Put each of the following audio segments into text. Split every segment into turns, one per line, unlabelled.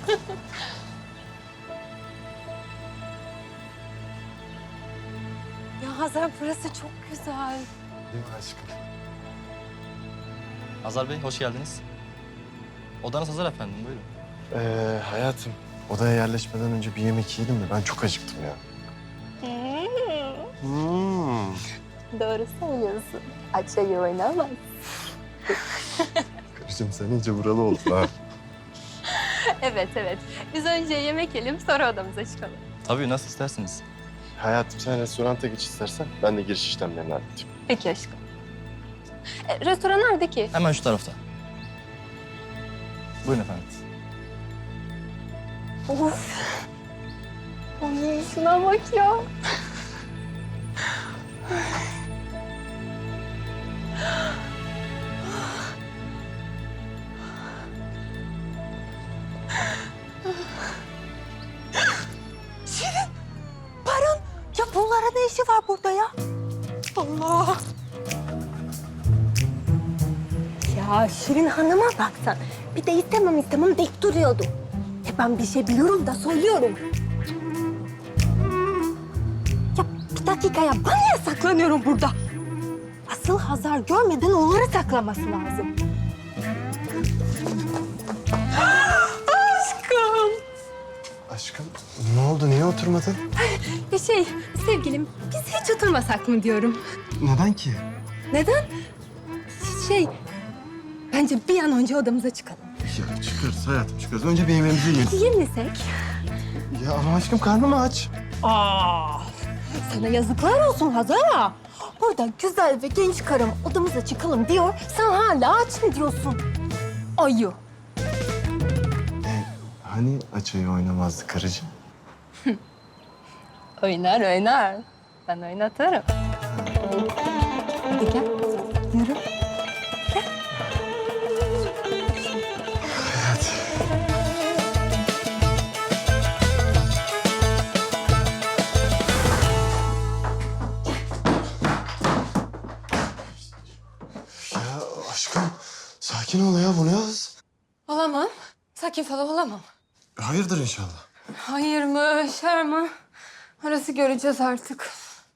Ya Hazar, burası çok güzel.
Değil mi aşkım?
Hazar Bey, hoş geldiniz. Odanız hazır efendim, buyurun.
Hayatım, odaya yerleşmeden önce bir yemek yiyelim mi? Ben çok acıktım ya.
Doğru söylüyorsun. Aç ayı oynamaz.
Karıcığım sen iyice buralı oldun ha.
Evet, evet. Biz önce yemek yiyelim, sonra odamıza çıkalım.
Tabii, nasıl isterseniz.
Hayatım sen restoranta geç istersen ben de giriş işlemlerini halledeyim.
Peki aşkım. Restoran nerede ki?
Hemen şu tarafta. Buyurun efendim.
Of. Ay, şuna bak ya. Şirin, Baran. Ya bunlara ne işi var burada ya? Allah. Ya Şirin Hanım'a baksan. Bir de istemem deyip duruyordu. Ben bir şey biliyorum da söylüyorum. Ya bir dakika ya, ben niye saklanıyorum burada? Asıl Hazar görmeden onları saklaması lazım. Aşkım.
Aşkım ne oldu? Niye oturmadın?
Sevgilim, biz hiç oturmasak mı diyorum.
Neden ki?
Neden? Bence bir an önce odamıza çıkalım.
Ya çıkarız hayatım çıkarız. Önce bir yemeğimizi yiyelim.
Yemesek?
Ya ama aşkım karnım aç.
Sana yazıklar olsun Hazar. Burada güzel ve genç karım odamıza çıkalım diyor. Sen hala aç mı diyorsun? Ayı.
Hani açayı oynamazdı karıcığım?
Oynar. Ben oynatırım. Hadi gel. Yürü.
Ya aşkım sakin ol ya, bu ne hız?
Olamam. Sakin falan olamam.
Hayırdır inşallah.
Hayır mı, şer mi? Orası göreceğiz artık.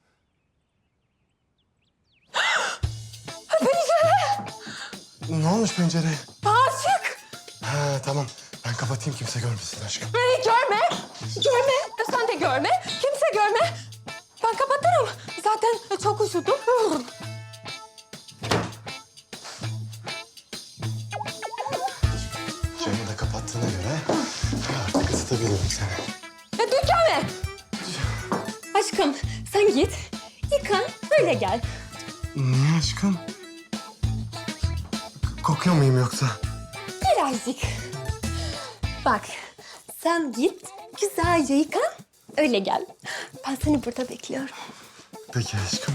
Ne olmuş pencereye?
Açık.
Ha tamam. Ben kapatayım kimse görmesin aşkım.
Görme. Sen de görme. Kimse görme. Ben kapatırım. Zaten çok üşüdüm.
Camı da kapattığına göre artık ısıtabilirim seni.
Ya dur gelme. Aşkım sen git. Yıkan öyle gel.
Niye aşkım? Kokuyor muyum yoksa?
Birazcık. Bak sen git güzelce yıkan öyle gel. Ben seni burada bekliyorum.
Peki aşkım.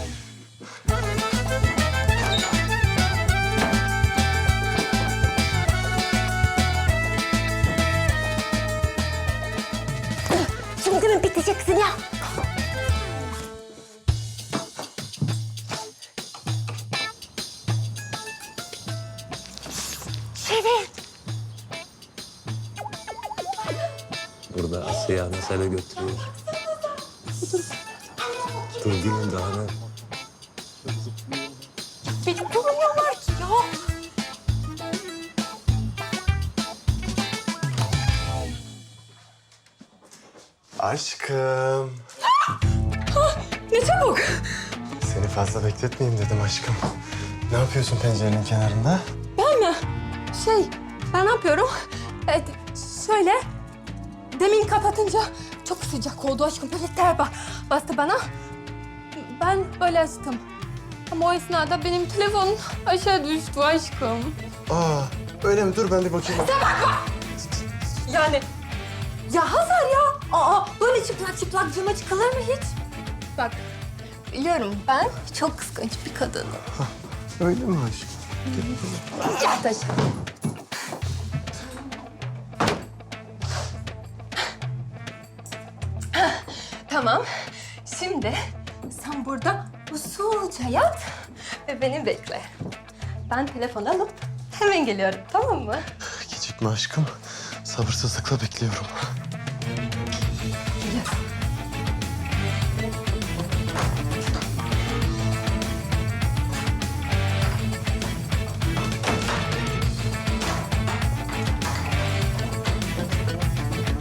Şimdi mi biteceksin ya? Şirin.
Burada Asya mesele götürüyor. Dur gülüm daha ne?
Beni görmüyorlar ki ya.
Aşkım.
Ne çabuk.
Seni fazla bekletmeyeyim dedim aşkım. Ne yapıyorsun pencerenin kenarında?
Ben mi? Ben ne yapıyorum? Şöyle, demin kapatınca çok sıcak oldu aşkım. Böyle ter bastı bana. Ben böyle açtım. Ama o esnada benim telefonum aşağı düştü aşkım.
Aa öyle mi? Dur ben bir bakayım.
Yani, ya Hazar ya. Böyle çıplak cama çıkılır mı hiç? Bak, biliyorum ben çok kıskanç bir kadınım.
Öyle mi aşkım?
Ya taş. Tamam. Şimdi sen burada usulca yat ve beni bekle. Ben telefon alıp hemen geliyorum, tamam mı?
Gecikme aşkım. Sabırsızlıkla bekliyorum.